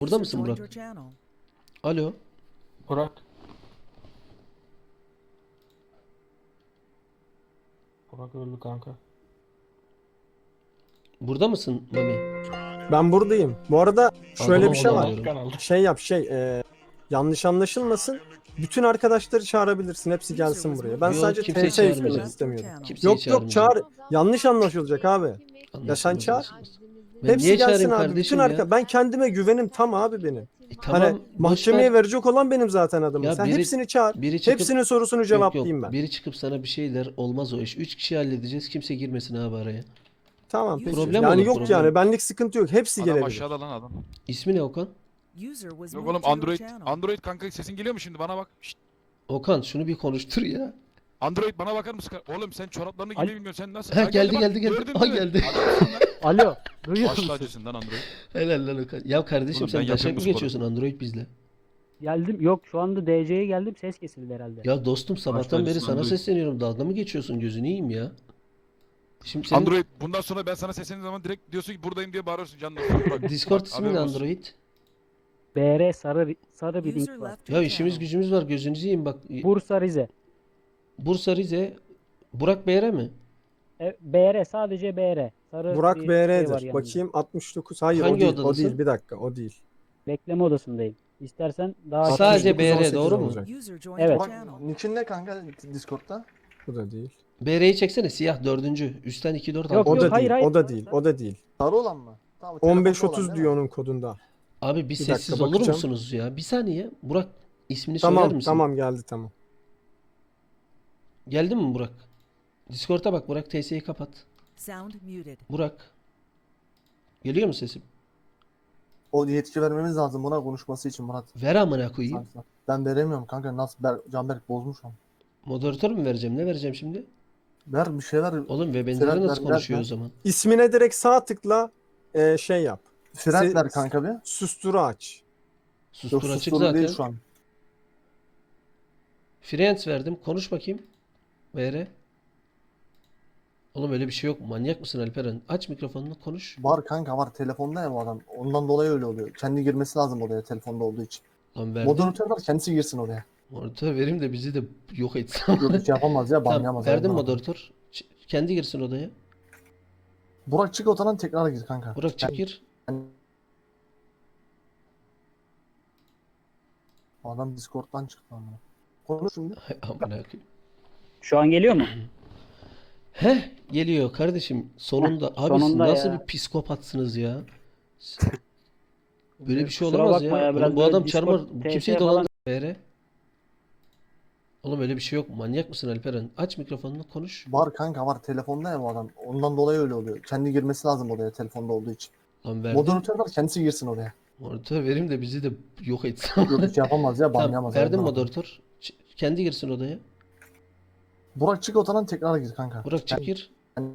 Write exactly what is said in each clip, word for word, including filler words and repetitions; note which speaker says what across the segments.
Speaker 1: Burada mısın Burak? Alo.
Speaker 2: Burak. Burak öldü kanka.
Speaker 1: Burada mısın Mami?
Speaker 3: Ben buradayım. Bu arada şöyle
Speaker 1: Adamı
Speaker 3: bir şey var.
Speaker 1: olamıyorum.
Speaker 2: Kanalda.
Speaker 3: Şey yap şey e, yanlış anlaşılmasın. Bütün arkadaşları çağırabilirsin. Hepsi gelsin buraya. Ben
Speaker 1: Yok,
Speaker 3: sadece
Speaker 1: kimseyi
Speaker 3: T S yüklemek
Speaker 1: çağırmayacağım.
Speaker 3: istemiyorum.
Speaker 1: Kimseyi
Speaker 3: Yok yok çağır.
Speaker 1: çağırmayacağım.
Speaker 3: Yanlış anlaşılacak abi. Ya sen
Speaker 1: Anlaşılmaz,
Speaker 3: çağır.
Speaker 1: anlaşılmaz. Ben
Speaker 3: Hepsi
Speaker 1: niye
Speaker 3: gelsin
Speaker 1: çağırayım
Speaker 3: abi.
Speaker 1: kardeşim
Speaker 3: Bütün
Speaker 1: ya?
Speaker 3: arka ben kendime güvenim tam abi benim.
Speaker 1: E, tamam,
Speaker 3: Hani
Speaker 1: boş
Speaker 3: mahkemeye
Speaker 1: ver.
Speaker 3: verecek olan benim zaten adamım.
Speaker 1: Ya
Speaker 3: Sen
Speaker 1: biri-
Speaker 3: hepsini çağır.
Speaker 1: biri çıkıp-
Speaker 3: Hepsinin sorusunu
Speaker 1: Yok
Speaker 3: cevaplayayım
Speaker 1: yok.
Speaker 3: ben.
Speaker 1: Biri çıkıp sana bir şeyler olmaz o iş. Üç kişi halledeceğiz. Kimse girmesin abi araya.
Speaker 3: Tamam peki.
Speaker 1: Problem
Speaker 3: yani
Speaker 1: olur,
Speaker 3: yok
Speaker 1: problem.
Speaker 3: yani benlik sıkıntı yok. Hepsi
Speaker 4: Adam
Speaker 3: gelebilir.
Speaker 4: aşağıda lan adam.
Speaker 1: İsmi ne Okan?
Speaker 4: Yok oğlum Android. Android kanka sesin geliyor mu şimdi bana bak. Şşt.
Speaker 1: Okan şunu bir konuştur ya.
Speaker 4: Android bana bakar mısın? Oğlum sen çoraplarını
Speaker 5: Al-
Speaker 4: giy bilmiyorsun sen nasıl?
Speaker 1: Ha,
Speaker 4: Ha,
Speaker 1: geldi,
Speaker 4: bak,
Speaker 1: geldi, geldi.
Speaker 4: gördün
Speaker 1: Ha,
Speaker 4: mü?
Speaker 1: geldi.
Speaker 4: Adamsın lan.
Speaker 5: Alo, duyuyor
Speaker 4: Başla
Speaker 5: musun?
Speaker 4: acısın lan Android.
Speaker 1: Helal lan Okan. Ya kardeşim
Speaker 4: Oğlum ben
Speaker 1: sen
Speaker 4: yapıyorum
Speaker 1: daşak
Speaker 4: bu
Speaker 1: mı
Speaker 4: sporu.
Speaker 1: geçiyorsun Android bizle?
Speaker 5: Geldim. Yok şu anda D C'ye geldim. Ses kesildi herhalde.
Speaker 1: Ya dostum sabahtan
Speaker 4: Başla
Speaker 1: beri
Speaker 4: acısın
Speaker 1: sana
Speaker 4: Android.
Speaker 1: sesleniyorum. Dalga mı geçiyorsun? Gözünü yiyeyim ya. Şimdi senin
Speaker 4: Android bundan sonra ben sana seslendiğim zaman direkt diyorsun ki buradayım diye bağırıyorsun canım. Bak,
Speaker 1: Discord
Speaker 4: bak,
Speaker 1: ismi ne
Speaker 4: haberin olsun.
Speaker 1: Android?
Speaker 5: B R sarı sarı bir link var.
Speaker 1: Ya işimiz gücümüz var gözünüzü yiyeyim bak.
Speaker 5: Bursa Rize.
Speaker 1: Bursa Rize. Burak Beyre mi?
Speaker 5: E, B R sadece B R. Sarı
Speaker 3: Burak
Speaker 5: bir şey var
Speaker 3: B R'dir.
Speaker 5: yanında.
Speaker 3: Bakayım altmış dokuz. Hayır
Speaker 1: Hangi
Speaker 3: o değil. O
Speaker 1: odadasın?
Speaker 3: değil. Bir dakika o değil.
Speaker 5: Bekleme odasındayım. İstersen daha
Speaker 1: Sadece
Speaker 3: altmış dokuz,
Speaker 1: B R
Speaker 3: on sekiz
Speaker 1: doğru mu?
Speaker 3: olacak.
Speaker 5: Evet.
Speaker 6: Burak, niçin ne kanka Discord'da?
Speaker 3: Bu da değil.
Speaker 1: B R'yi çeksene siyah dördüncü. Üstten iki dört
Speaker 5: Yok,
Speaker 3: O
Speaker 1: altı.
Speaker 3: da
Speaker 5: hayır,
Speaker 3: değil.
Speaker 5: hayır.
Speaker 3: O da değil. O da değil.
Speaker 6: Sarı olan mı? Tamam,
Speaker 3: on beş
Speaker 6: telefonda olan
Speaker 3: otuz
Speaker 6: değil
Speaker 3: diyor
Speaker 6: mi?
Speaker 3: onun kodunda.
Speaker 1: Abi bir
Speaker 3: Bir
Speaker 1: sessiz
Speaker 3: dakika,
Speaker 1: olur
Speaker 3: bakacağım.
Speaker 1: musunuz ya? Bir saniye. Burak ismini söyler
Speaker 3: Tamam
Speaker 1: misin?
Speaker 3: tamam geldi tamam.
Speaker 1: Geldi mi Burak? Discord'a bak Burak T S'yi kapat. Burak. Geliyor mu sesim?
Speaker 6: O yetki vermemiz lazım buna konuşması için Murat.
Speaker 1: Ver amına koyayım.
Speaker 6: Ben veremiyorum kanka, nasıl Ber Canberk bozmuş ama.
Speaker 1: Moderatör mü vereceğim? Ne vereceğim şimdi?
Speaker 6: Ver bir şey ver.
Speaker 1: Oğlum ve
Speaker 6: Serhat
Speaker 1: benzeri nasıl
Speaker 6: ver,
Speaker 1: konuşuyor
Speaker 6: ver,
Speaker 1: o zaman?
Speaker 3: İsmine direkt sağ tıkla e, şey yap.
Speaker 6: Fren
Speaker 3: Se-
Speaker 6: ver kanka bir.
Speaker 3: Susturu aç.
Speaker 1: Sustur
Speaker 6: Yok
Speaker 1: açık
Speaker 6: susturdu
Speaker 1: zaten.
Speaker 6: değil şu an.
Speaker 1: Friends verdim. Konuş bakayım. V R. Oğlum öyle bir şey yok. Manyak mısın Alperen? Aç mikrofonunu konuş.
Speaker 6: Var kanka var, telefonda ya bu adam. Ondan dolayı öyle oluyor. Kendi girmesi lazım odaya telefonda olduğu için.
Speaker 1: Lan verdim.
Speaker 6: Moderatör var, kendisi girsin oraya.
Speaker 1: Moderatör vereyim de bizi de yok etsin.
Speaker 6: Yok hiç yapamaz ya,
Speaker 1: Tamam
Speaker 6: banlayamaz.
Speaker 1: verdim
Speaker 6: Ondan.
Speaker 1: moderatör. Ç- Kendi girsin odaya.
Speaker 6: Burak çık odadan tekrar gir kanka.
Speaker 1: Burak çık gir.
Speaker 6: Adam Discord'dan çıktı ama. Konuş şimdi.
Speaker 1: Hay amına koyayım.
Speaker 5: Şu an geliyor mu?
Speaker 1: Heh geliyor kardeşim. Sonunda. Abi siz
Speaker 5: sonunda
Speaker 1: nasıl
Speaker 5: ya.
Speaker 1: bir psikopatsınız ya. Böyle bir şey
Speaker 5: Kusura
Speaker 1: olamaz
Speaker 5: bakma
Speaker 1: ya.
Speaker 5: ya, biraz
Speaker 1: Oğlum bu
Speaker 5: böyle
Speaker 1: adam
Speaker 5: Discord,
Speaker 1: çarmıh.
Speaker 5: T S
Speaker 1: Kimseyi
Speaker 5: falan-
Speaker 1: dolandır. V R. Oğlum öyle bir şey yok. Manyak mısın Alperen? Aç mikrofonunu konuş.
Speaker 6: Var kanka var, telefonda ya bu adam. Ondan dolayı öyle oluyor. Kendi girmesi lazım odaya telefonda olduğu için.
Speaker 1: Lan verdim.
Speaker 6: Moderatör var, kendisi girsin oraya.
Speaker 1: Moderatör vereyim de bizi de yok etsin.
Speaker 6: Yok hiç yapamaz ya,
Speaker 1: Tamam
Speaker 6: banlayamaz.
Speaker 1: verdim
Speaker 6: Ondan.
Speaker 1: moderatör. Ç- Kendi girsin odaya.
Speaker 6: Burak çık odadan tekrar gir kanka.
Speaker 1: Burak çık gir.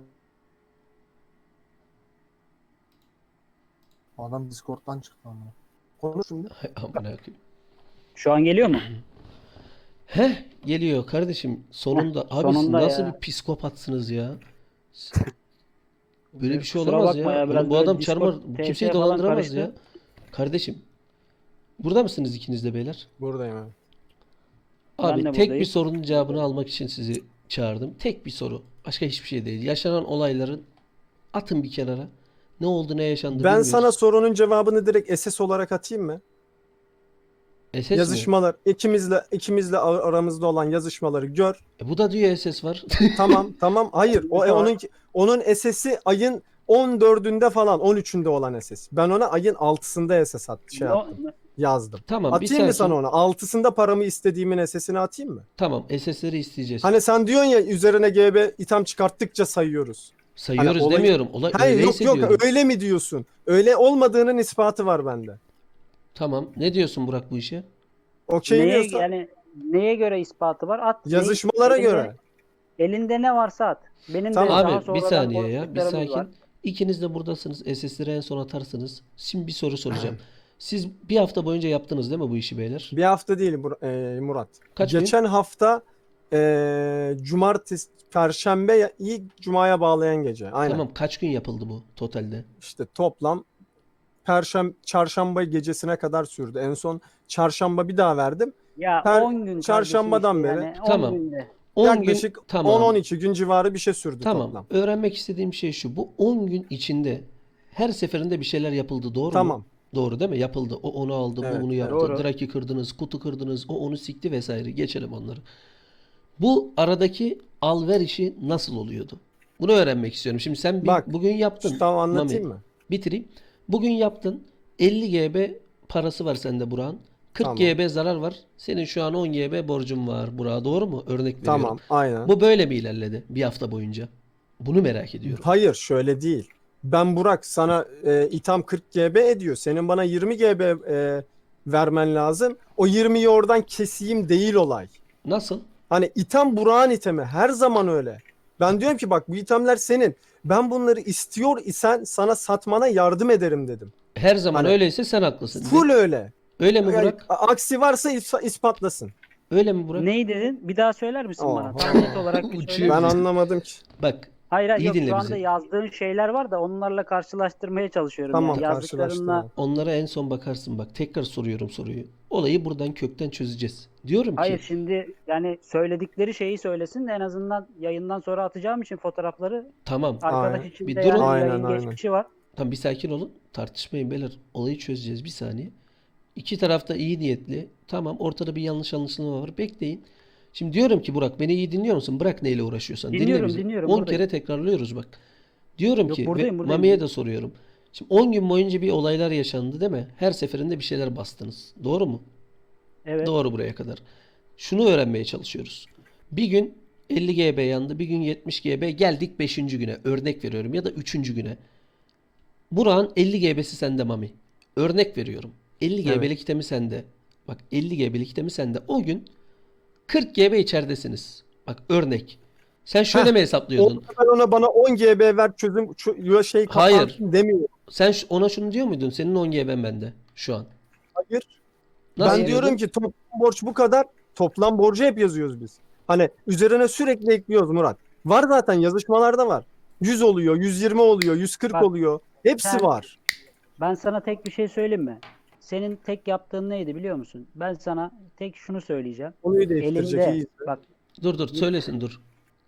Speaker 6: Adam Discord'dan çıktı ama. Konuş şimdi.
Speaker 1: Hay amına koyayım.
Speaker 5: Şu an geliyor mu?
Speaker 1: Heh geliyor kardeşim. Sonunda. Abi siz
Speaker 5: sonunda
Speaker 1: nasıl
Speaker 5: ya.
Speaker 1: bir psikopatsınız ya. Böyle bir şey
Speaker 5: Kusura
Speaker 1: olamaz
Speaker 5: bakma
Speaker 1: ya.
Speaker 5: ya, biraz
Speaker 1: Oğlum bu
Speaker 5: böyle
Speaker 1: adam
Speaker 5: Discord,
Speaker 1: çarmıh.
Speaker 5: T S
Speaker 1: Kimseyi
Speaker 5: falan
Speaker 1: dolandıramaz
Speaker 5: karıştı.
Speaker 1: ya. Kardeşim. Burada mısınız ikiniz de beyler?
Speaker 3: Buradayım abi.
Speaker 1: Abi
Speaker 5: de
Speaker 1: tek bir
Speaker 5: buradayım.
Speaker 1: sorunun cevabını almak için sizi çağırdım. Tek bir soru. Başka hiçbir şey değil. Yaşanan olayların atın bir kenara. Ne oldu ne yaşandı
Speaker 3: Ben
Speaker 1: bilmiyoruz.
Speaker 3: sana sorunun cevabını direkt S S olarak atayım mı?
Speaker 1: S S mi?
Speaker 3: Yazışmalar ikimizle ikimizle ar- aramızda olan yazışmaları gör.
Speaker 1: E, bu da diyor S S var.
Speaker 3: Tamam tamam hayır o
Speaker 5: Bir
Speaker 3: e,
Speaker 5: de
Speaker 3: onun onun S S'i ayın on dördünde falan on üçünde olan S S. Ben ona ayın altısında S S at, şey
Speaker 5: No-
Speaker 3: yaptım, yazdım.
Speaker 1: Tamam bir
Speaker 3: Atayım mı
Speaker 1: sakin.
Speaker 3: sana onu? Altısında paramı istediğimin S S'ini atayım mı?
Speaker 1: Tamam S S'leri isteyeceğiz.
Speaker 3: Hani sen diyorsun ya üzerine G B itham çıkarttıkça sayıyoruz.
Speaker 1: Sayıyoruz
Speaker 3: hani olayı-
Speaker 1: demiyorum. Olay
Speaker 3: Hayır yok
Speaker 1: öyleyse
Speaker 3: yok
Speaker 1: diyorum.
Speaker 3: öyle mi diyorsun? Öyle olmadığının ispatı var bende.
Speaker 1: Tamam. Ne diyorsun Burak bu işe?
Speaker 3: Okey
Speaker 5: neye,
Speaker 3: diyorsan
Speaker 5: yani neye göre ispatı var? At.
Speaker 3: yazışmalara
Speaker 5: Elinde-
Speaker 3: göre.
Speaker 5: Elinde ne varsa at. Benim
Speaker 3: Tamam.
Speaker 5: de daha
Speaker 1: Abi bir
Speaker 5: sonradan
Speaker 1: saniye ya. Bir
Speaker 5: konuştuklarımız
Speaker 1: sakin.
Speaker 5: var.
Speaker 1: İkiniz de buradasınız. S S'leri en son atarsınız. Şimdi bir soru soracağım. Siz bir hafta boyunca yaptınız değil mi bu işi beyler?
Speaker 3: Bir hafta değil Bur- e, Murat.
Speaker 1: Kaç gün?
Speaker 3: Geçen hafta e, cumartesi, perşembe ilk cumaya bağlayan gece. Aynen.
Speaker 1: Tamam kaç gün yapıldı bu totalde?
Speaker 3: İşte toplam perşembe çarşamba gecesine kadar sürdü. En son çarşamba bir daha verdim.
Speaker 5: Ya
Speaker 3: Per-
Speaker 5: on gün
Speaker 3: çarşambadan
Speaker 5: kardeşim
Speaker 3: beri.
Speaker 5: işte yani,
Speaker 1: Tamam.
Speaker 5: on günde.
Speaker 1: on
Speaker 3: Yaklaşık
Speaker 1: gün tamam.
Speaker 3: on on iki gün civarı bir şey sürdü
Speaker 1: Tamam.
Speaker 3: toplam.
Speaker 1: Öğrenmek istediğim şey şu. Bu on gün içinde her seferinde bir şeyler yapıldı. Doğru mu?
Speaker 3: Tamam.
Speaker 1: Doğru değil mi? Yapıldı. O onu aldı,
Speaker 3: Evet,
Speaker 1: bu bunu
Speaker 3: evet.
Speaker 1: yaptı.
Speaker 5: Doğru.
Speaker 1: Draki kırdınız, kutu kırdınız, o onu sikti vesaire. Geçelim onları. Bu aradaki al-ver işi nasıl oluyordu? Bunu öğrenmek istiyorum. Şimdi sen bir,
Speaker 3: Bak,
Speaker 1: bugün yaptın.
Speaker 3: Tamam, anlatayım
Speaker 1: Mami,
Speaker 3: mı?
Speaker 1: bitireyim. Bugün yaptın. elli G B parası var sende Burak'ın. kırk
Speaker 3: Tamam.
Speaker 1: G B zarar var. Senin şu an on G B borcun var Burak'a. Doğru mu? Örnek veriyorum.
Speaker 3: Tamam, aynen.
Speaker 1: Bu böyle mi ilerledi bir hafta boyunca? Bunu merak ediyorum.
Speaker 3: Hayır, şöyle değil. Ben Burak sana e, itham kırk G B ediyor. Senin bana yirmi G B e, vermen lazım. O yirmiyi oradan keseyim değil olay.
Speaker 1: Nasıl?
Speaker 3: Hani itham Burak'ın itemi. Her zaman öyle. Ben diyorum ki bak bu ithamlar senin. Ben bunları istiyor isen sana satmana yardım ederim dedim.
Speaker 1: Her zaman
Speaker 3: Hani-
Speaker 1: öyleyse sen haklısın.
Speaker 3: Full öyle.
Speaker 1: Öyle mi
Speaker 3: Yani
Speaker 1: Burak?
Speaker 3: a- aksi varsa is- ispatlasın.
Speaker 1: Öyle mi Burak?
Speaker 5: Neyi dedin? Bir daha söyler misin
Speaker 3: Oha.
Speaker 5: bana? Tam net olarak bir
Speaker 1: Uçuyor.
Speaker 5: söyler
Speaker 3: Ben
Speaker 5: misin?
Speaker 3: anlamadım ki.
Speaker 1: Bak,
Speaker 5: Hayır hayır
Speaker 1: İyi
Speaker 5: yok
Speaker 1: dinle
Speaker 5: şu anda
Speaker 1: bizi.
Speaker 5: yazdığın şeyler var da onlarla karşılaştırmaya çalışıyorum.
Speaker 3: Tamam,
Speaker 5: yani. Yazdıklarınla
Speaker 3: karşılaştırma.
Speaker 1: onlara en son bakarsın bak. Tekrar soruyorum soruyu. Olayı buradan kökten çözeceğiz. Diyorum ki
Speaker 5: hayır şimdi yani söyledikleri şeyi söylesin de en azından yayından sonra atacağım için fotoğrafları
Speaker 1: tamam.
Speaker 5: arkadaş
Speaker 3: Aynen.
Speaker 5: için
Speaker 1: Bir
Speaker 5: de
Speaker 1: durun.
Speaker 5: yani
Speaker 3: Aynen,
Speaker 5: yayın
Speaker 3: aynen.
Speaker 5: geçmişi var.
Speaker 1: Tamam, bir sakin olun. Tartışmayın beyler. Olayı çözeceğiz bir saniye. İki tarafta iyi niyetli. Tamam, ortada bir yanlış anlaşılma var. Bekleyin. Şimdi diyorum ki Burak, beni iyi dinliyor musun? Bırak neyle uğraşıyorsan. Dinle
Speaker 5: Dinliyorum,
Speaker 1: bizi.
Speaker 5: dinliyorum,
Speaker 1: on
Speaker 5: buradayım.
Speaker 1: kere tekrarlıyoruz bak. Diyorum
Speaker 5: Yok,
Speaker 1: ki
Speaker 5: buradayım,
Speaker 1: ve
Speaker 5: buradayım.
Speaker 1: Mami'ye de soruyorum. Şimdi on gün boyunca bir olaylar yaşandı değil mi? Her seferinde bir şeyler bastınız. Doğru mu?
Speaker 5: Evet.
Speaker 1: Doğru buraya kadar. Şunu öğrenmeye çalışıyoruz. Bir gün elli G B yandı, bir gün yetmiş G B, geldik beşinci güne. Örnek veriyorum, ya da üçüncü güne. Burak'ın elli G B'si sende Mami. Örnek veriyorum. elli G B'lik itemi sende. Bak, elli G B'lik itemi sende. O gün kırk G B içeridesiniz. Bak, örnek. Sen şöyle
Speaker 3: Heh,
Speaker 1: mi hesaplıyordun?
Speaker 3: Orada ben ona bana on G B ver çözüm şu şey
Speaker 1: Hayır.
Speaker 3: kapansın demiyorum.
Speaker 1: Sen ş- ona şunu diyor muydun? Senin on G B'm bende şu an.
Speaker 3: Hayır.
Speaker 1: Nasıl
Speaker 3: Ben
Speaker 1: diyordun?
Speaker 3: diyorum ki toplam borç bu kadar. Toplam borcu hep yazıyoruz biz. Hani üzerine sürekli ekliyoruz Murat. Var zaten, yazışmalarda var. yüz oluyor, yüz yirmi oluyor, yüz kırk
Speaker 5: Bak,
Speaker 3: oluyor. Hepsi
Speaker 5: sen-
Speaker 3: var.
Speaker 5: Ben sana tek bir şey söyleyeyim mi? Senin tek yaptığın neydi biliyor musun? Ben sana tek şunu söyleyeceğim.
Speaker 3: Konuyu değiştirecek
Speaker 5: Elinde
Speaker 3: iyiyiz.
Speaker 5: bak
Speaker 1: Dur dur söylesin dur.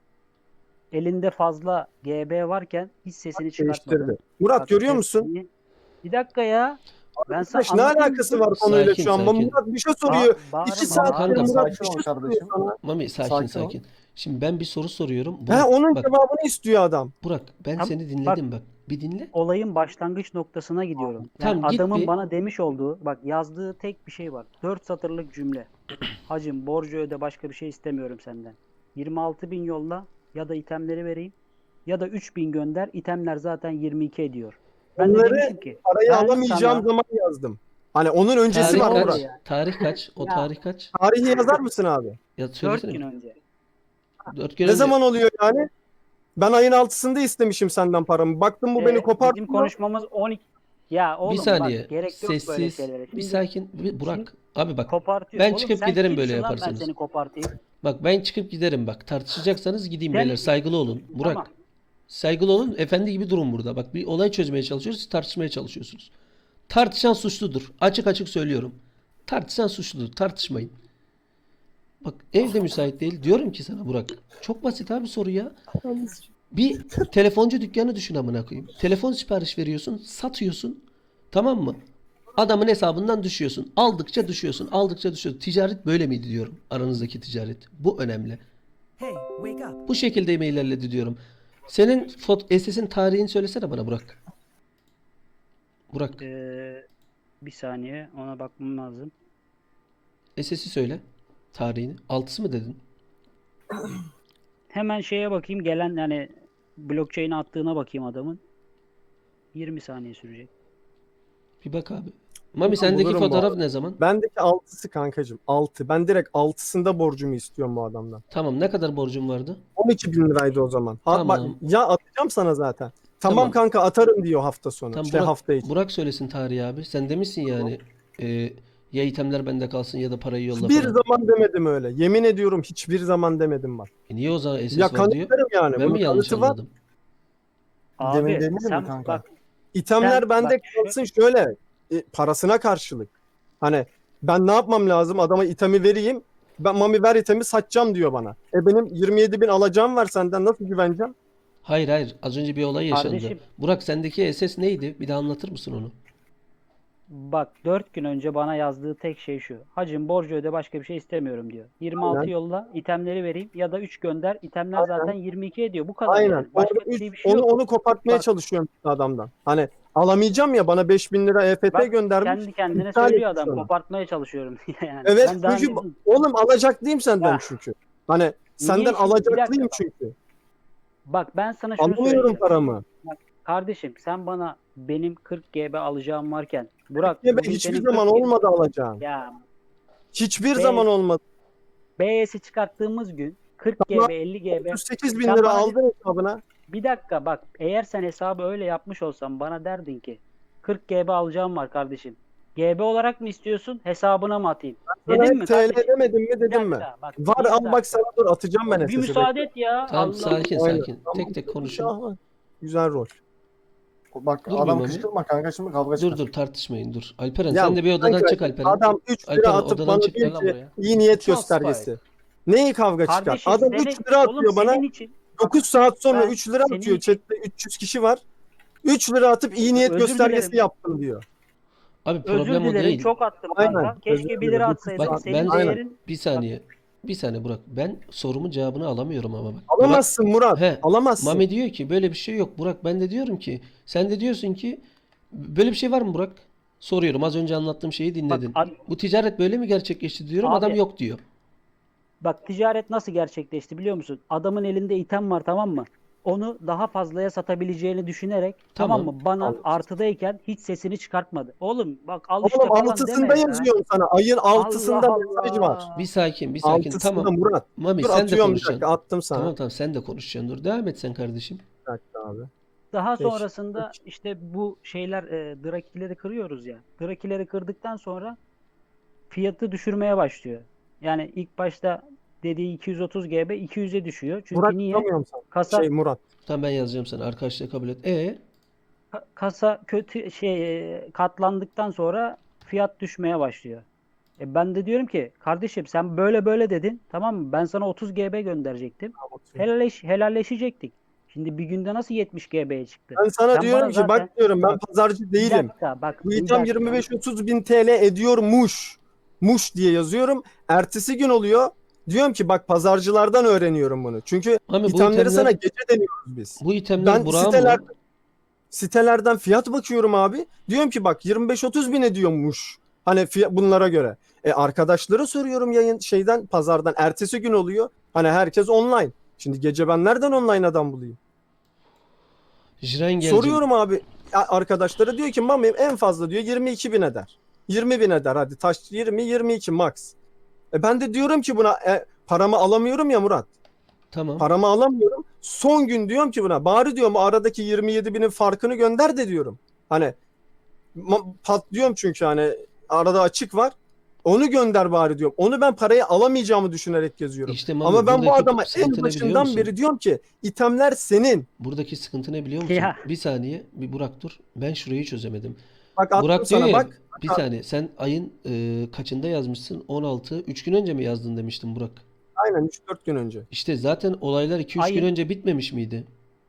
Speaker 5: elinde fazla G B varken hiç sesini çıkartmadın.
Speaker 3: Değiştirdi. Murat
Speaker 5: Bak,
Speaker 3: görüyor
Speaker 5: ses-
Speaker 3: musun?
Speaker 5: Bir dakika ya. Ben sana
Speaker 3: Arkadaş, ne
Speaker 5: anlatayım
Speaker 3: alakası
Speaker 5: mı?
Speaker 3: var konuyla
Speaker 1: Sakin,
Speaker 3: şu an?
Speaker 1: sakin.
Speaker 3: Murat bir şey soruyor.
Speaker 5: Ba- bağırma,
Speaker 3: İki saattir
Speaker 1: Kanka,
Speaker 3: Murat bir
Speaker 6: sakin
Speaker 3: şey
Speaker 6: ol
Speaker 3: soruyor
Speaker 6: kardeşim.
Speaker 3: sana.
Speaker 1: Mami sakin
Speaker 6: Sakin
Speaker 1: sakin.
Speaker 6: ol.
Speaker 1: Şimdi ben bir soru soruyorum.
Speaker 3: He,
Speaker 1: Burak,
Speaker 3: onun
Speaker 1: bak,
Speaker 3: cevabını istiyor adam.
Speaker 1: Burak ben
Speaker 5: Tam-
Speaker 1: seni dinledim bak. Bir dinle.
Speaker 5: Olayın başlangıç noktasına gidiyorum. Yani
Speaker 1: Tamam, git
Speaker 5: adamın
Speaker 1: bir-
Speaker 5: bana demiş olduğu, bak yazdığı tek bir şey var. Dört satırlık cümle. Hacım borcu öde, başka bir şey istemiyorum senden. yirmi altı bin yolla ya da itemleri vereyim ya da üç bin gönder. İtemler zaten yirmi iki ediyor. Ben de
Speaker 3: Onları
Speaker 5: demişim ki
Speaker 3: Parayı
Speaker 5: ben
Speaker 3: alamayacağım
Speaker 5: sana-
Speaker 3: zaman yazdım. Hani onun öncesi
Speaker 1: Tarih
Speaker 3: var
Speaker 5: Tarih
Speaker 1: kaç?
Speaker 3: Murat.
Speaker 5: yani.
Speaker 1: Tarih kaç? O
Speaker 5: Ya.
Speaker 1: tarih kaç?
Speaker 3: Tarihi yazar mısın abi?
Speaker 1: Ya
Speaker 5: dört
Speaker 1: söylesene.
Speaker 5: gün önce.
Speaker 1: dört gün
Speaker 3: Ne
Speaker 1: önce.
Speaker 3: zaman oluyor yani? Ben ayın altısında istemişim senden paramı. Baktım bu
Speaker 5: Ee,
Speaker 3: beni
Speaker 5: Bizim
Speaker 3: kopartıyor.
Speaker 5: konuşmamız on iki. Ya oğlum
Speaker 1: Bir saniye.
Speaker 5: bak gerek yok böyle
Speaker 1: Sessiz.
Speaker 5: şeylere.
Speaker 1: Bir
Speaker 5: Şimdi
Speaker 1: sakin. Bir- Burak. Abi bak.
Speaker 5: kopartıyor.
Speaker 1: Ben
Speaker 5: Oğlum
Speaker 1: çıkıp
Speaker 5: sen
Speaker 1: giderim
Speaker 5: kimsin
Speaker 1: böyle
Speaker 5: lan,
Speaker 1: yaparsanız.
Speaker 5: Ben seni kopartayım.
Speaker 1: Bak ben çıkıp giderim bak. Tartışacaksanız gideyim
Speaker 5: Sen-
Speaker 1: beyler. Saygılı olun. Burak.
Speaker 5: Tamam.
Speaker 1: Saygılı olun. Efendi gibi durun burada. Bak bir olay çözmeye çalışıyoruz. Siz tartışmaya çalışıyorsunuz. Tartışan suçludur. Açık açık söylüyorum. Tartışan suçludur. Tartışmayın. Bak evde müsait değil. Diyorum ki sana Burak. Çok basit abi soru ya. Bir telefoncu dükkanı düşün amına koyayım. Telefon sipariş veriyorsun, satıyorsun. Tamam mı? Adamın hesabından düşüyorsun. Aldıkça düşüyorsun. Aldıkça düşüyorsun. Ticaret böyle miydi diyorum. Aranızdaki ticaret. Bu önemli. Bu şekilde mi ilerledi diyorum. Senin fot S S'in tarihini söylesene bana Burak. Burak.
Speaker 5: Ee, bir saniye ona bakmam lazım.
Speaker 1: S S'i söyle. Tarihini. Altısı mı dedin?
Speaker 5: Hemen şeye bakayım, gelen yani blockchain'e attığına bakayım adamın. yirmi saniye sürecek.
Speaker 1: Bir bak abi. Mami sendeki
Speaker 3: bulurum bu
Speaker 1: fotoğraf
Speaker 3: arada.
Speaker 1: ne zaman?
Speaker 3: Bendeki altısı kankacığım. altı. Ben direkt altısında borcumu istiyorum bu adamdan.
Speaker 1: Tamam. Ne kadar borcum vardı?
Speaker 3: on iki bin liraydı o zaman. Ha,
Speaker 1: Tamam.
Speaker 3: bak, ya atacağım sana zaten. Tamam,
Speaker 1: Tamam.
Speaker 3: kanka atarım diyor hafta sonu.
Speaker 1: Tamam,
Speaker 3: işte
Speaker 1: Burak,
Speaker 3: hafta içi.
Speaker 1: Burak söylesin tarihi abi. Sen demişsin yani e, ya itemler bende kalsın ya da parayı yolla
Speaker 3: Hiçbir
Speaker 1: falan.
Speaker 3: zaman demedim öyle. Yemin ediyorum hiçbir zaman demedim bak.
Speaker 1: E niye o zaman S S
Speaker 3: Ya
Speaker 1: var diyor?
Speaker 3: kanıtlarım yani.
Speaker 1: Ben
Speaker 3: Bunun
Speaker 1: mi yanlış
Speaker 3: kanıtı var.
Speaker 1: anladım?
Speaker 5: Abi
Speaker 6: Demin demedin mi
Speaker 5: sen
Speaker 6: kanka?
Speaker 5: bak
Speaker 3: İtemler
Speaker 5: Sen-
Speaker 3: bende
Speaker 5: bak şu-
Speaker 3: kalsın şöyle e, parasına karşılık. Hani ben ne yapmam lazım? Adama itemi vereyim. Ben Mami ver itemi satacağım diyor bana. E benim yirmi yedi bin alacağım var senden nasıl güveneceğim?
Speaker 1: Hayır hayır. Az önce bir olay yaşandı.
Speaker 5: Kardeşim-
Speaker 1: Burak sendeki S S neydi? Bir daha anlatır mısın onu?
Speaker 5: Bak dört gün önce bana yazdığı tek şey şu. Hacım borcu öde başka bir şey istemiyorum diyor. yirmi altı
Speaker 3: Aynen.
Speaker 5: yolla itemleri vereyim ya da üç gönder. İtemler zaten yirmi iki ediyor. Bu kadar
Speaker 3: Aynen.
Speaker 5: yani. Başka
Speaker 3: Orada
Speaker 5: bir
Speaker 3: üç,
Speaker 5: şey bir şey
Speaker 3: onu
Speaker 5: yok.
Speaker 3: onu kopartmaya
Speaker 5: Bak-
Speaker 3: çalışıyorum adamdan. Hani alamayacağım ya bana beş bin lira E F T
Speaker 5: Bak,
Speaker 3: göndermiş.
Speaker 5: kendi kendine
Speaker 3: iptal
Speaker 5: söylüyor
Speaker 3: etmiş
Speaker 5: adam.
Speaker 3: onu.
Speaker 5: Kopartmaya çalışıyorum diye yani.
Speaker 3: Evet
Speaker 5: Ben daha
Speaker 3: çünkü
Speaker 5: ne-
Speaker 3: oğlum alacaklıyım senden
Speaker 5: Ya.
Speaker 3: çünkü. Hani senden
Speaker 5: şimdi? Bir
Speaker 3: alacaklıyım
Speaker 5: dakika.
Speaker 3: çünkü.
Speaker 5: Bak ben sana şunu
Speaker 3: Alamıyorum
Speaker 5: söyleyeceğim.
Speaker 3: paramı.
Speaker 5: Kardeşim sen bana benim kırk GB alacağım varken Burak
Speaker 3: Ya ben
Speaker 5: bugün
Speaker 3: hiçbir
Speaker 5: senin
Speaker 3: zaman
Speaker 5: kırk G B
Speaker 3: olmadı alacağım.
Speaker 5: Ya
Speaker 3: Hiçbir
Speaker 5: Be-
Speaker 3: zaman olmadı.
Speaker 5: B S'i çıkarttığımız gün kırk
Speaker 3: Tamam.
Speaker 5: GB elli GB
Speaker 3: otuz sekiz bin
Speaker 5: Sen
Speaker 3: lira
Speaker 5: bana-
Speaker 3: aldın hesabına.
Speaker 5: bir dakika bak eğer sen hesabı öyle yapmış olsan bana derdin ki kırk GB alacağım var kardeşim. G B olarak mı istiyorsun hesabına mı atayım?
Speaker 3: Sana
Speaker 5: Dedin mi
Speaker 3: hep T L
Speaker 5: kardeşim?
Speaker 3: demedim mi
Speaker 5: Bir
Speaker 3: dedim mi?
Speaker 5: dakika, bak,
Speaker 3: Var
Speaker 5: bir
Speaker 3: al
Speaker 5: dakika.
Speaker 3: bak sana dur atacağım ben
Speaker 5: Bir
Speaker 3: S S'i.
Speaker 5: müsaade et ya.
Speaker 1: Tamam
Speaker 5: Allah
Speaker 1: sakin
Speaker 3: Aynen.
Speaker 1: sakin.
Speaker 3: Tamam.
Speaker 1: Tek tek konuşun.
Speaker 3: Aha, güzel rol.
Speaker 6: Bak
Speaker 1: Dur bir
Speaker 6: adam
Speaker 1: Mami.
Speaker 6: kışkırtma kanka şimdi kavga
Speaker 1: Dur
Speaker 6: çıkar.
Speaker 1: dur tartışmayın dur. Alperen
Speaker 3: Ya
Speaker 1: sen de bir odadan
Speaker 3: kanka,
Speaker 1: çık Alperen.
Speaker 3: Adam üç lira
Speaker 1: Alperen,
Speaker 3: atıp
Speaker 1: odadan
Speaker 3: bana
Speaker 1: çık,
Speaker 3: diyor
Speaker 1: gel lan
Speaker 3: ki
Speaker 1: buraya.
Speaker 3: iyi niyet
Speaker 1: Charles
Speaker 3: göstergesi. Neyi kavga çıkar?
Speaker 5: Kardeşim
Speaker 3: Adam
Speaker 5: senin-
Speaker 3: üç lira atıyor
Speaker 5: oğlum,
Speaker 3: bana.
Speaker 5: senin için
Speaker 3: dokuz saat sonra
Speaker 5: Ben
Speaker 3: üç lira
Speaker 5: senin
Speaker 3: atıyor.
Speaker 5: için-
Speaker 3: Chatte üç yüz kişi var. üç lira atıp iyi niyet
Speaker 5: Özür
Speaker 3: göstergesi
Speaker 5: dilerim.
Speaker 3: yaptım diyor.
Speaker 1: Abi
Speaker 5: özür
Speaker 1: problem o
Speaker 5: dilerim
Speaker 1: değil.
Speaker 5: çok attım
Speaker 3: Aynen,
Speaker 5: kanka.
Speaker 3: özür
Speaker 5: Keşke bir
Speaker 3: dilerim.
Speaker 5: lira atsaydın.
Speaker 1: Bak
Speaker 5: Senin
Speaker 1: ben
Speaker 3: Aynen.
Speaker 5: değerin
Speaker 1: bir saniye. Bir saniye Burak. Ben sorumun cevabını alamıyorum ama bak.
Speaker 3: Alamazsın Murat.
Speaker 1: He,
Speaker 3: Alamazsın.
Speaker 1: Mami diyor ki böyle bir şey yok Burak. Ben de diyorum ki sen de diyorsun ki böyle bir şey var mı Burak? Soruyorum. Az önce anlattığım şeyi dinledin.
Speaker 5: ad-
Speaker 1: Bu ticaret böyle mi gerçekleşti diyorum.
Speaker 5: Abi-
Speaker 1: Adam yok diyor.
Speaker 5: Bak ticaret nasıl gerçekleşti biliyor musun? Adamın elinde item var tamam mı? Onu daha fazlaya satabileceğini düşünerek tamam,
Speaker 1: Tamam.
Speaker 5: mı? Bana
Speaker 3: Anladım.
Speaker 5: artıdayken hiç sesini çıkartmadı. Oğlum bak al işte
Speaker 3: Oğlum
Speaker 5: falan
Speaker 3: altısında
Speaker 5: deme ya.
Speaker 3: yazıyorum sana. Ayın altısında
Speaker 5: Allah
Speaker 3: mesaj
Speaker 5: Allah.
Speaker 3: var.
Speaker 1: Bir sakin, bir sakin.
Speaker 3: Altısında
Speaker 1: Tamam.
Speaker 3: Murat.
Speaker 1: Mami
Speaker 3: Dur
Speaker 1: sen de
Speaker 3: atıyorum bir
Speaker 1: konuşacaksın.
Speaker 3: dakika attım sana.
Speaker 1: Tamam tamam sen de konuşacaksın. Dur devam et sen kardeşim.
Speaker 3: Bir dakika abi.
Speaker 5: Daha
Speaker 3: Peki,
Speaker 5: sonrasında işte bu şeyler e, drakileri kırıyoruz ya. Drakileri kırdıktan sonra fiyatı düşürmeye başlıyor. Yani ilk başta dediği iki yüz otuz GB iki yüze düşüyor. Çünkü
Speaker 3: Murat
Speaker 5: niye?
Speaker 3: tutamıyorum sana.
Speaker 5: Kasa
Speaker 3: Şey Murat.
Speaker 1: Tamam ben yazacağım sana. Arkadaşlar kabul et. E
Speaker 5: Ka- kasa kötü şey e, katlandıktan sonra fiyat düşmeye başlıyor. E ben de diyorum ki kardeşim sen böyle böyle dedin tamam mı? Ben sana otuz GB gönderecektim. Helalleş, helalleşecektik. Şimdi bir günde nasıl yetmiş GB'ye çıktı?
Speaker 3: Ben sana
Speaker 5: Sen
Speaker 3: diyorum
Speaker 5: bana
Speaker 3: ki
Speaker 5: zaten-
Speaker 3: bak diyorum ben pazarcı
Speaker 5: Bir
Speaker 3: değilim.
Speaker 5: dakika, bak,
Speaker 3: Bu
Speaker 5: bir
Speaker 3: item
Speaker 5: dakika.
Speaker 3: yirmi beş otuz bin T L ediyormuş. Muş diye yazıyorum. Ertesi gün oluyor. Diyorum ki bak pazarcılardan öğreniyorum bunu. Çünkü
Speaker 1: Mami bu
Speaker 3: itemleri
Speaker 1: itemler
Speaker 3: sana gece deniyoruz biz.
Speaker 1: bu itemler
Speaker 3: Ben
Speaker 1: Burak'ın
Speaker 3: siteler,
Speaker 1: mı?
Speaker 3: sitelerden fiyat bakıyorum abi. Diyorum ki bak yirmi beş otuz bin ediyormuş. Hani fiyat, bunlara göre. E arkadaşlara soruyorum yayın şeyden pazardan. Ertesi gün oluyor. Hani herkes online. Şimdi gece ben nereden online adam bulayım?
Speaker 1: Jiren gelecek.
Speaker 3: Soruyorum abi a- arkadaşlara diyor ki Mami en fazla diyor yirmi iki bin eder. yirmi bin eder hadi taş yirmi yirmi iki max. E ben de diyorum ki buna e, paramı alamıyorum ya Murat.
Speaker 1: Tamam.
Speaker 3: Paramı alamıyorum. Son gün diyorum ki buna bari diyorum aradaki yirmi yedi binin farkını gönder de diyorum. Hani ma- patlıyorum çünkü hani arada açık var. Onu gönder bari diyorum. Onu ben parayı alamayacağımı düşünerek yazıyorum.
Speaker 1: İşte Mami,
Speaker 3: Ama ben bu
Speaker 1: buradaki
Speaker 3: adama en
Speaker 1: sıkıntı ne biliyor
Speaker 3: başından
Speaker 1: musun?
Speaker 3: beri diyorum ki itemler senin.
Speaker 1: Buradaki sıkıntı ne biliyor musun?
Speaker 5: Ya.
Speaker 1: Bir saniye, bir Burak dur. Ben şurayı çözemedim.
Speaker 3: Bak attım
Speaker 1: Burak diyor
Speaker 3: sana
Speaker 1: ya,
Speaker 3: bak.
Speaker 1: bir saniye sen ayın e, kaçında yazmışsın? on altı. üç gün önce mi yazdın demiştin Burak.
Speaker 3: Aynen üç dört gün önce.
Speaker 1: İşte zaten olaylar iki üç
Speaker 5: Ayın-
Speaker 1: gün önce bitmemiş miydi?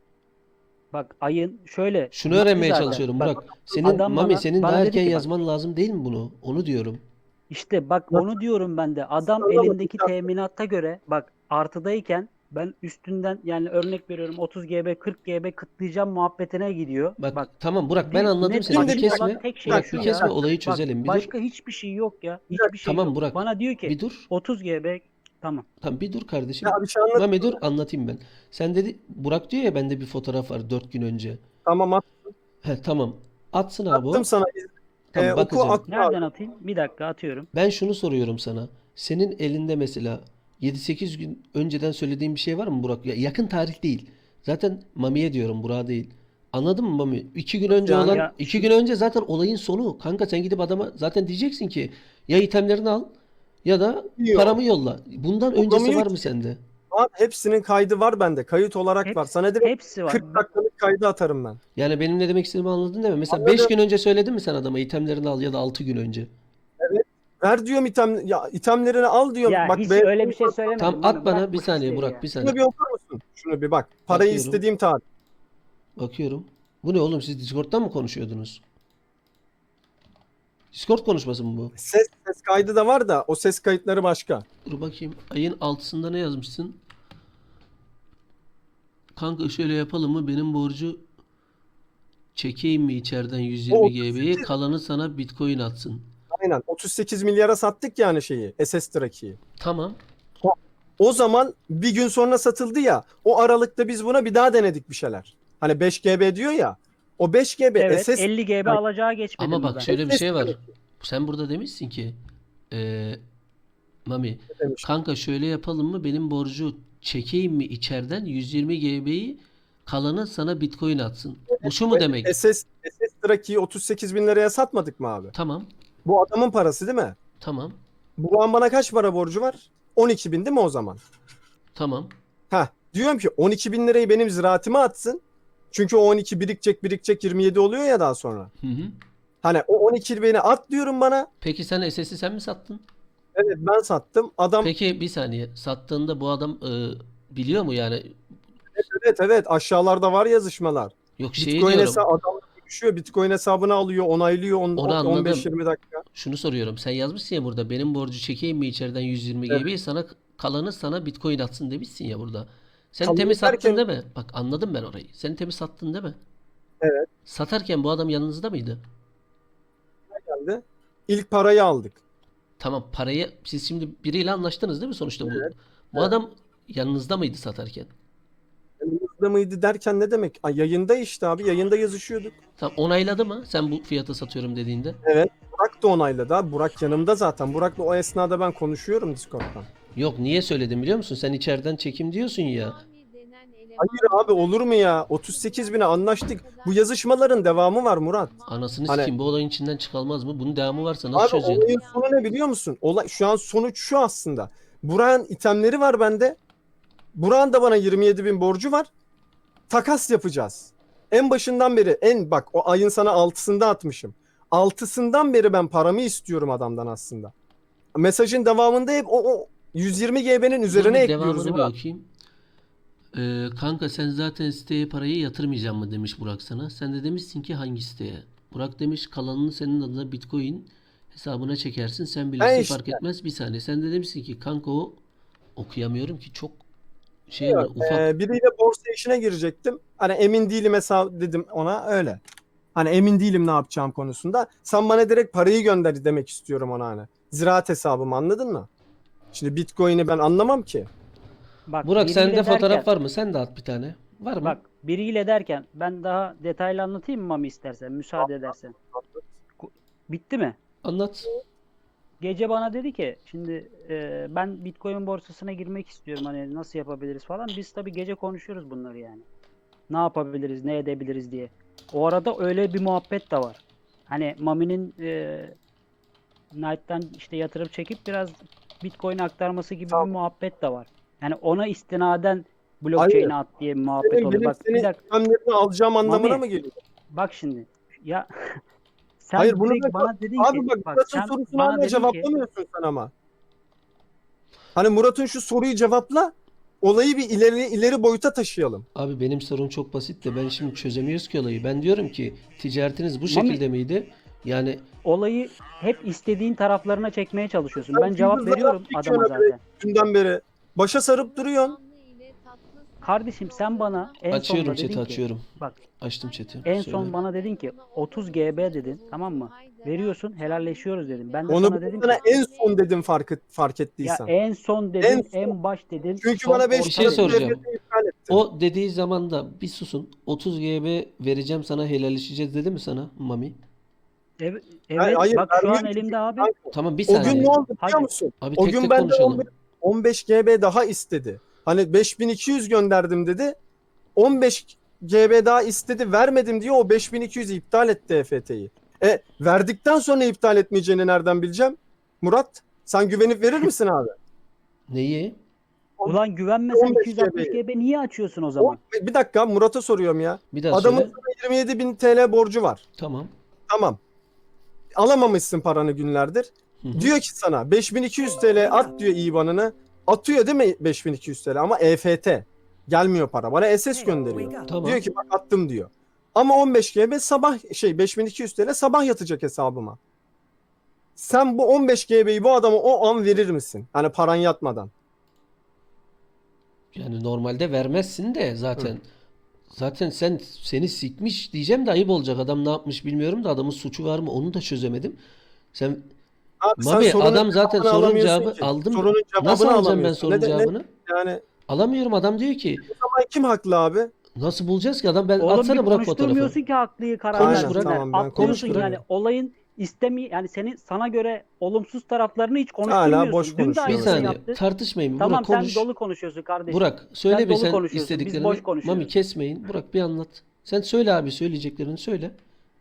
Speaker 5: Bak ayın şöyle.
Speaker 1: Şunu
Speaker 5: bitti
Speaker 1: öğrenmeye
Speaker 5: zaten.
Speaker 1: çalışıyorum
Speaker 5: Bak,
Speaker 1: Burak. Senin
Speaker 5: adam
Speaker 1: Mami
Speaker 5: bana-
Speaker 1: senin
Speaker 5: bana
Speaker 1: daha
Speaker 5: dedi
Speaker 1: erken
Speaker 5: ki bak-
Speaker 1: yazman lazım değil mi bunu? Onu diyorum.
Speaker 5: İşte bak
Speaker 3: Nasıl?
Speaker 5: onu diyorum ben de. Adam
Speaker 3: Sana bak,
Speaker 5: elindeki
Speaker 3: bir dakika.
Speaker 5: teminatta göre bak artıdayken ben üstünden yani örnek veriyorum otuz GB kırk GB kıtlayacağım muhabbetine gidiyor.
Speaker 1: Bak, tamam Burak ben
Speaker 5: bir-
Speaker 1: anladım
Speaker 5: net
Speaker 1: seni. Bir
Speaker 3: başka
Speaker 1: kesme.
Speaker 5: olan tek şey
Speaker 1: Burak
Speaker 5: şu
Speaker 1: bir
Speaker 5: ya.
Speaker 1: kesme olayı
Speaker 5: Bak,
Speaker 1: çözelim. Bir dur.
Speaker 5: başka hiçbir şey yok ya. Hiçbir şey
Speaker 1: Tamam
Speaker 5: yok.
Speaker 1: Burak,
Speaker 5: Bana diyor ki
Speaker 1: Bir dur.
Speaker 5: otuz GB tamam.
Speaker 1: Tamam bir dur kardeşim.
Speaker 3: Ya bir şey anlat.
Speaker 1: Mami dur anlatayım ben. Sen dedi Burak diyor ya bende bir fotoğraf var dört gün önce.
Speaker 3: Tamam at-
Speaker 1: He tamam. Atsın abi o.
Speaker 3: attım sana.
Speaker 1: Tamam
Speaker 3: Ee, oku
Speaker 1: bakacağım.
Speaker 3: at abi.
Speaker 5: Nereden atayım? Bir dakika atıyorum.
Speaker 1: Ben şunu soruyorum sana. Senin elinde mesela yedi sekiz gün önceden söylediğin bir şey var mı Burak? Ya yakın tarih değil. Zaten Mami'ye diyorum Burak'a değil. Anladın mı Mami? İki gün önce
Speaker 3: Yani
Speaker 1: olan,
Speaker 5: ya-
Speaker 1: iki gün önce zaten olayın sonu. Kanka sen gidip adama zaten diyeceksin ki ya itemlerini al ya da
Speaker 3: Yok.
Speaker 1: paramı yolla. Bundan öncesi var
Speaker 3: Yollamıyor
Speaker 1: mı
Speaker 3: ki.
Speaker 1: sende?
Speaker 3: Abi hepsinin kaydı var bende. Kayıt olarak
Speaker 5: Hep-
Speaker 3: var. Sana direkt
Speaker 5: Hepsi var.
Speaker 3: kırk dakikalık kaydı atarım ben.
Speaker 1: Yani benim ne demek istediğimi anladın değil mi? Mesela
Speaker 3: Anladım.
Speaker 1: beş gün önce söyledin mi sen adama itemlerini al ya da altı gün önce?
Speaker 3: Ver diyorum item ya itemlerini al diyorum.
Speaker 5: Ya
Speaker 3: Bak
Speaker 5: hiç
Speaker 3: be-
Speaker 5: öyle bir şey söylemedim.
Speaker 1: Tamam
Speaker 5: Mami,
Speaker 1: at bana
Speaker 5: bırak
Speaker 1: bir
Speaker 5: bu
Speaker 1: saniye
Speaker 5: hisleri
Speaker 1: Burak
Speaker 5: ya.
Speaker 1: bir
Speaker 3: Şunu
Speaker 1: saniye.
Speaker 3: bir okur musun? Şunu bir bak. Parayı
Speaker 1: Bakıyorum.
Speaker 3: istediğim tarih.
Speaker 1: Bakıyorum. Bu ne oğlum siz Discord'dan mı konuşuyordunuz? Discord konuşması mı bu?
Speaker 3: Ses ses kaydı da var da o ses kayıtları başka.
Speaker 1: Dur bakayım. Ayın altısında ne yazmışsın? Kanka şöyle yapalım mı? Benim borcu çekeyim mi içeriden yüz yirmi
Speaker 3: O
Speaker 1: G B'yi? Kalanı sana Bitcoin atsın.
Speaker 3: Aynen. otuz sekiz milyara sattık yani şeyi. S S Track'i.
Speaker 1: Tamam.
Speaker 3: O zaman bir gün sonra satıldı ya. O aralıkta biz buna bir daha denedik bir şeyler. Hani beş G B diyor ya. O beş G B
Speaker 5: Evet,
Speaker 3: S S
Speaker 5: elli G B alacağı geçmedi
Speaker 1: Ama
Speaker 5: mi
Speaker 1: bak
Speaker 5: ben?
Speaker 1: şöyle bir
Speaker 3: S S
Speaker 1: şey var.
Speaker 3: Track
Speaker 1: Sen burada demişsin ki eee Mami
Speaker 3: demiş.
Speaker 1: kanka şöyle yapalım mı? Benim borcu çekeyim mi içeriden yüz yirmi G B'yi kalanı sana Bitcoin atsın. Bu şu mu demek?
Speaker 3: S S S S Track'i otuz sekiz bin liraya satmadık mı abi?
Speaker 1: Tamam.
Speaker 3: Bu adamın parası değil mi?
Speaker 1: Tamam.
Speaker 3: Bu an bana kaç para borcu var? on iki bin değil mi o zaman?
Speaker 1: Tamam.
Speaker 3: Heh. Diyorum ki on iki bin lirayı benim ziraatıma atsın. Çünkü o on iki birikecek birikecek yirmi yedi oluyor ya daha sonra.
Speaker 1: Hı hı.
Speaker 3: Hani o on iki bini at diyorum bana.
Speaker 1: Peki sen S S'i sen mi sattın?
Speaker 3: Evet ben sattım. Adam
Speaker 1: Peki bir saniye. Sattığında bu adam e, biliyor mu yani?
Speaker 3: evet evet aşağılarda var yazışmalar.
Speaker 1: Yok şey
Speaker 3: Bitcoin
Speaker 1: diyorum.
Speaker 3: hesabı adam düşüyor. Bitcoin hesabını alıyor, onaylıyor on-
Speaker 1: Onu anladım.
Speaker 3: on beş yirmi dakika.
Speaker 1: Şunu soruyorum. Sen yazmışsın ya burada. Benim borcu çekeyim mi içeriden yüz yirmi
Speaker 3: Evet.
Speaker 1: G B'yi sana kalanı sana Bitcoin atsın demişsin ya burada. Sen
Speaker 3: Kalanı
Speaker 1: temiz sattın
Speaker 3: derken-
Speaker 1: değil mi? Bak anladım ben orayı. Sen temiz sattın değil mi?
Speaker 3: Evet.
Speaker 1: Satarken bu adam yanınızda mıydı?
Speaker 3: Geldi. İlk parayı aldık.
Speaker 1: Tamam parayı siz şimdi biriyle anlaştınız değil mi sonuçta bu?
Speaker 3: Evet.
Speaker 1: Bu adam yanınızda mıydı satarken?
Speaker 3: Yanımızda mıydı derken ne demek? Ay, yayında işte abi. Yayında yazışıyorduk.
Speaker 1: Tamam onayladı mı sen bu fiyata satıyorum dediğinde?
Speaker 3: Burak da onayladı abi. Burak yanımda zaten. Burak'la o esnada ben konuşuyorum Discord'dan.
Speaker 1: Yok niye söyledim biliyor musun? Sen içeriden çekim diyorsun ya.
Speaker 3: Hayır abi olur mu ya? otuz sekiz bine anlaştık. Bu yazışmaların devamı var Murat.
Speaker 1: Anasını
Speaker 3: Hani-
Speaker 1: sikeyim bu olayın içinden çıkalmaz mı? Bunun devamı varsa nasıl
Speaker 3: Abi
Speaker 1: çözeceksin?
Speaker 3: olayın sonu ne biliyor musun? Olay, şu an sonuç şu aslında. Burak'ın itemleri var bende. Burak'ın da bana yirmi yedi bin borcu var. Takas yapacağız. En başından beri en bak o ayın sana altısında atmışım. Altısından beri ben paramı istiyorum adamdan aslında. Mesajın devamında hep o, o yüz yirmi G B'nin
Speaker 1: Dur
Speaker 3: üzerine
Speaker 1: bir
Speaker 3: ekliyoruz.
Speaker 1: devamını bir
Speaker 3: Murat.
Speaker 1: okuyayım. Ee, kanka sen zaten siteye parayı yatırmayacağım mı demiş Burak sana. Sen de demişsin ki hangi siteye? Burak demiş kalanını senin adına Bitcoin hesabına çekersin. Sen bilirsin
Speaker 3: Ha işte.
Speaker 1: fark etmez. Bir saniye. Sen de demişsin ki kanka o okuyamıyorum ki çok şey var ufak.
Speaker 3: Ee, biriyle borsa işine girecektim. Hani emin değilim hesap dedim ona öyle. Hani emin değilim ne yapacağım konusunda. Sen bana direkt parayı gönder demek istiyorum ona hani. Ziraat hesabımı anladın mı? Şimdi Bitcoin'i ben anlamam ki.
Speaker 5: Bak,
Speaker 1: Burak
Speaker 5: biriyle
Speaker 1: sende fotoğraf
Speaker 5: derken-
Speaker 1: var mı? Sen de at bir tane. Var mı?
Speaker 5: Bak biriyle derken ben daha detaylı anlatayım mı Mami istersen müsaade edersen. Ku- Bitti mi?
Speaker 1: Anlat.
Speaker 5: Gece bana dedi ki şimdi e, ben Bitcoin borsasına girmek istiyorum hani nasıl yapabiliriz falan. Biz tabii gece konuşuyoruz bunları yani. Ne yapabiliriz, ne edebiliriz diye. O arada öyle bir muhabbet de var. Hani Mami'nin e, Knight'tan işte yatırıp çekip biraz Bitcoin aktarması gibi
Speaker 3: Tamam.
Speaker 5: bir muhabbet de var. Yani ona istinaden blockchain'e at diye bir muhabbet
Speaker 3: Benim,
Speaker 5: oluyor.
Speaker 3: benim
Speaker 5: Bak bir
Speaker 3: senin
Speaker 5: dakika.
Speaker 3: itemlerini alacağım anlamına
Speaker 5: Mami,
Speaker 3: mı geliyor?
Speaker 5: Bak şimdi. Ya sen
Speaker 3: Hayır, bunu
Speaker 5: direkt
Speaker 3: da-
Speaker 5: bana dedin
Speaker 3: Abi
Speaker 5: ki
Speaker 3: bak
Speaker 5: bak
Speaker 3: Murat'ın
Speaker 5: sen
Speaker 3: sorusunu
Speaker 5: bana
Speaker 3: hala
Speaker 5: dedin ki
Speaker 3: cevaplamıyorsun sen ama. Hani Murat'ın şu soruyu cevapla. Olayı bir ileri ileri boyuta taşıyalım.
Speaker 1: Abi benim sorun çok basit de ben şimdi çözemiyoruz ki olayı. Ben diyorum ki ticaretiniz bu
Speaker 5: Mami-
Speaker 1: şekilde miydi? Yani
Speaker 5: olayı hep istediğin taraflarına çekmeye çalışıyorsun.
Speaker 3: Ben
Speaker 5: Ben cevap
Speaker 3: gündüz
Speaker 5: veriyorum
Speaker 3: zaman
Speaker 5: adama
Speaker 3: çekiyorum
Speaker 5: zaten.
Speaker 3: Dünden beri. Başa sarıp duruyorsun.
Speaker 5: Kardeşim sen bana en
Speaker 1: açıyorum
Speaker 5: sonunda
Speaker 1: chat'i
Speaker 5: dedin ki
Speaker 1: açıyorum.
Speaker 5: bak
Speaker 1: Açtım chat'i.
Speaker 5: en
Speaker 1: Söyle.
Speaker 5: son bana dedin ki otuz G B dedin tamam mı? Veriyorsun helalleşiyoruz dedim. Ben de
Speaker 3: Onu
Speaker 5: sana dedim
Speaker 3: sana
Speaker 5: ki
Speaker 3: en son dedim fark et, fark
Speaker 5: ya
Speaker 3: ettiysen.
Speaker 5: en son dedin,
Speaker 3: En
Speaker 5: en,
Speaker 3: son.
Speaker 5: baş dedin.
Speaker 3: Çünkü
Speaker 5: son
Speaker 3: bana beş
Speaker 5: orta
Speaker 1: Bir şey
Speaker 5: dedin.
Speaker 1: soracağım.
Speaker 3: iptal ettin.
Speaker 1: O dediği zaman da bir susun. otuz G B vereceğim sana helalleşeceğiz dedi mi sana Mami?
Speaker 5: Evet,
Speaker 3: Hayır,
Speaker 5: evet
Speaker 3: hayır,
Speaker 5: bak şu an
Speaker 3: vermiyor
Speaker 5: elimde abi.
Speaker 3: Kanka,
Speaker 1: Tamam bir
Speaker 3: O
Speaker 1: saniye.
Speaker 3: gün ne oldu biliyor
Speaker 5: Hadi.
Speaker 3: musun?
Speaker 1: Abi
Speaker 3: O
Speaker 1: tek
Speaker 3: gün
Speaker 1: tek
Speaker 3: benden
Speaker 1: konuşalım.
Speaker 3: on beş G B daha istedi. Hani beş bin iki yüz gönderdim dedi. on beş G B daha istedi. Vermedim diye o beş bin iki yüzü iptal etti E F T'yi. E verdikten sonra iptal etmeyeceğini nereden bileceğim? Murat sen güvenip verir misin abi?
Speaker 1: Neyi?
Speaker 5: Ulan güvenmesen
Speaker 3: on beş
Speaker 5: iki yüz altmış
Speaker 3: G
Speaker 5: G B niye açıyorsun o zaman?
Speaker 3: Bir dakika Murat'a soruyorum ya.
Speaker 1: Bir daha
Speaker 3: Adamın
Speaker 1: söyle.
Speaker 3: sana yirmi yedi bin T L borcu var.
Speaker 1: Tamam.
Speaker 3: Tamam. Alamamışsın paranı günlerdir.
Speaker 1: Hı hı.
Speaker 3: Diyor ki sana beş bin iki yüz T L at diyor İ B A N'ını. Atıyor değil mi beş bin iki yüz T L ama E F T. Gelmiyor para. Bana S S gönderiyor.
Speaker 1: Tamam.
Speaker 3: Diyor ki bak attım diyor. Ama on beş G B sabah şey beş bin iki yüz T L sabah yatacak hesabıma. Sen bu on beş G B'yi bu adama o an verir misin? Hani paran yatmadan.
Speaker 1: Yani normalde vermezsin de zaten. Zaten sen seni sikmiş diyeceğim de ayıp olacak. Adam ne yapmış bilmiyorum da adamın suçu var mı onu da çözemedim. Sen
Speaker 3: Abi sen
Speaker 1: Mami
Speaker 3: sorunun
Speaker 1: adam zaten
Speaker 3: cevabını
Speaker 1: sorun
Speaker 3: alamıyorsun
Speaker 1: cevabı
Speaker 3: ki.
Speaker 1: aldım.
Speaker 3: Sorunun cevabını
Speaker 1: Nasıl alacağım ben
Speaker 3: alamıyorsun.
Speaker 1: sorun
Speaker 3: Ne de- ne-
Speaker 1: cevabını?
Speaker 3: Yani
Speaker 1: Alamıyorum. Adam diyor ki
Speaker 3: o zaman kim haklı abi?
Speaker 1: nasıl bulacağız ki adam ben
Speaker 5: Oğlum
Speaker 1: atsana
Speaker 5: bir
Speaker 1: Burak fotoğrafı.
Speaker 5: konuşturmuyorsun ki haklıyı
Speaker 1: Konuş
Speaker 5: kararını.
Speaker 1: Burak.
Speaker 3: Tamam, ben
Speaker 5: Atlıyorsun
Speaker 3: konuşturuyorum.
Speaker 5: yani olayın istemi yani senin sana göre olumsuz taraflarını hiç
Speaker 3: Hala
Speaker 5: konuşturmuyorsun.
Speaker 3: boş
Speaker 5: Dün de
Speaker 3: konuşuyor.
Speaker 1: Bir
Speaker 5: aynısını
Speaker 1: saniye
Speaker 5: yaptı.
Speaker 1: tartışmayın.
Speaker 5: Tamam
Speaker 1: Burak
Speaker 5: sen
Speaker 1: konuş.
Speaker 5: dolu konuşuyorsun kardeşim.
Speaker 1: Burak söyle
Speaker 5: Sen
Speaker 1: bir
Speaker 5: dolu
Speaker 1: sen
Speaker 5: konuşuyorsun, biz
Speaker 1: istediklerini.
Speaker 5: boş konuşuyoruz.
Speaker 1: Mami kesmeyin. Burak bir anlat. Sen söyle abi söyleyeceklerini söyle.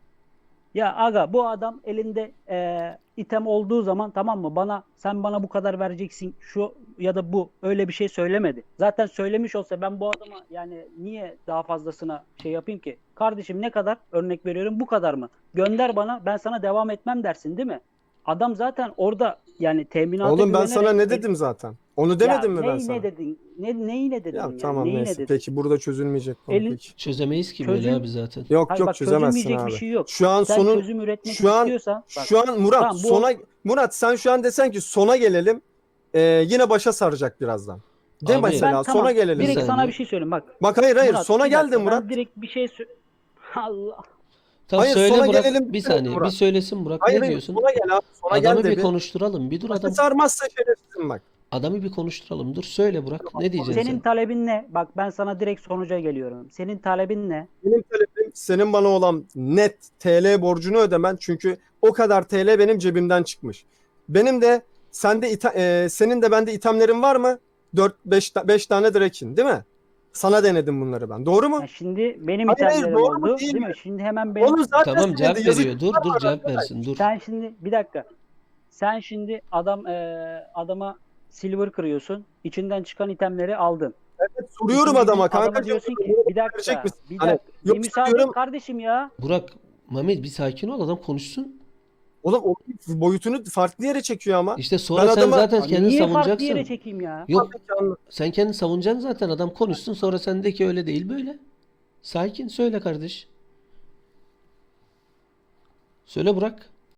Speaker 5: Ya aga bu adam elinde e, item olduğu zaman tamam mı bana sen bana bu kadar vereceksin şu ya da bu öyle bir şey söylemedi. Zaten söylemiş olsa ben bu adama yani niye daha fazlasına şey yapayım ki? Kardeşim ne kadar örnek veriyorum bu kadar mı? Gönder bana ben sana devam etmem dersin değil mi? Adam zaten orada yani teminata
Speaker 3: Oğlum ben
Speaker 5: güvenerek-
Speaker 3: sana ne dedim zaten? Onu demedim
Speaker 5: ya
Speaker 3: mi ben
Speaker 5: neyi
Speaker 3: sana?
Speaker 5: ne dedin? Ne, neyi ne dedin?
Speaker 3: Ya
Speaker 5: yani?
Speaker 3: tamam
Speaker 5: Neyi ne
Speaker 3: neyse.
Speaker 5: dedin?
Speaker 3: Peki burada çözülmeyecek konu
Speaker 5: Elin-
Speaker 3: peki.
Speaker 1: Çözemeyiz ki
Speaker 5: Çözüm-
Speaker 1: böyle abi zaten.
Speaker 3: Yok
Speaker 5: Hayır
Speaker 3: yok
Speaker 5: bak
Speaker 3: çözemezsin
Speaker 5: çözülmeyecek
Speaker 3: abi.
Speaker 5: bir şey yok.
Speaker 3: Şu an
Speaker 5: Sen
Speaker 3: sonun
Speaker 5: çözüm üretmek
Speaker 3: şu an-
Speaker 5: istiyorsan bak,
Speaker 3: şu an Murat
Speaker 5: Tamam, bu-
Speaker 3: sona Murat sen şu an desen ki sona gelelim. e, yine başa saracak birazdan. De
Speaker 1: Abi-
Speaker 3: mesela
Speaker 5: ben
Speaker 3: sona
Speaker 5: tamam,
Speaker 3: gelelim.
Speaker 5: direkt
Speaker 1: Bir
Speaker 5: sana
Speaker 1: saniye.
Speaker 5: bir şey söyleyeyim bak.
Speaker 3: Bak hayır hayır
Speaker 5: Murat,
Speaker 3: sona
Speaker 5: bir dakika,
Speaker 3: geldi Murat.
Speaker 5: Ben direkt bir şey sö- Allah.
Speaker 1: Tamam
Speaker 3: Hayır,
Speaker 1: söyle
Speaker 3: sona
Speaker 1: Burak.
Speaker 3: gelelim,
Speaker 1: Bir saniye
Speaker 3: Murat.
Speaker 1: bir söylesin Burak.
Speaker 3: Hayır
Speaker 1: Ne
Speaker 3: hayır
Speaker 1: diyorsun?
Speaker 3: sona gel abi. Sona
Speaker 1: Adamı
Speaker 3: gel de
Speaker 1: bir
Speaker 3: bir.
Speaker 1: konuşturalım. Bir dur
Speaker 3: Başa
Speaker 1: adam.
Speaker 3: sarmazsa şerefsizim bak.
Speaker 1: Adamı bir konuşturalım. Dur söyle Burak. Ne diyeceksin
Speaker 5: Senin
Speaker 1: sen?
Speaker 5: talebin ne? Bak ben sana direkt sonuca geliyorum. Senin talebin ne?
Speaker 3: Benim talebim senin bana olan net T L borcunu ödemen çünkü o kadar T L benim cebimden çıkmış. Benim de sende ita- e, senin de bende itemlerin var mı? dört beş tane Drake'in değil mi? Sana denedim bunları ben. Doğru mu?
Speaker 5: Ya şimdi benim
Speaker 3: Hayır, hayır,
Speaker 5: itemlerim
Speaker 3: doğru mu,
Speaker 5: oldu.
Speaker 3: değil
Speaker 5: Değil
Speaker 3: mi?
Speaker 5: mi? Şimdi hemen benim
Speaker 3: Oğlum zaten
Speaker 1: Tamam
Speaker 3: senin
Speaker 1: cevap
Speaker 3: de yazık-
Speaker 1: veriyor. Dur dur cevap versin. Dur.
Speaker 5: sen şimdi bir dakika. Sen şimdi adam eee, adama silver kırıyorsun. İçinden çıkan itemleri aldın.
Speaker 3: Evet, soruyorum
Speaker 5: İkinci
Speaker 3: adama
Speaker 5: gün adama
Speaker 3: kanka.
Speaker 5: diyorsun ki bir dakika.
Speaker 3: verecek misin?
Speaker 5: Bir
Speaker 3: Hani,
Speaker 5: dakika. bir
Speaker 3: yoksa
Speaker 5: müsaade
Speaker 3: diyorum-
Speaker 5: et kardeşim ya.
Speaker 1: Burak, Mehmet bir sakin ol. Adam konuşsun.
Speaker 3: Oğlum o boyutunu farklı yere çekiyor ama.
Speaker 1: İşte sonra
Speaker 3: Ben
Speaker 1: sen
Speaker 3: adama-
Speaker 1: zaten
Speaker 5: Abi
Speaker 1: kendini
Speaker 5: niye farklı
Speaker 1: savunacaksın.
Speaker 5: yere çekeyim ya?
Speaker 1: Yok
Speaker 3: Peki, anladım.
Speaker 1: sen kendini savunacaksın zaten. Adam konuşsun sonra sen de ki öyle değil böyle. Sakin söyle kardeş. Söyle Burak.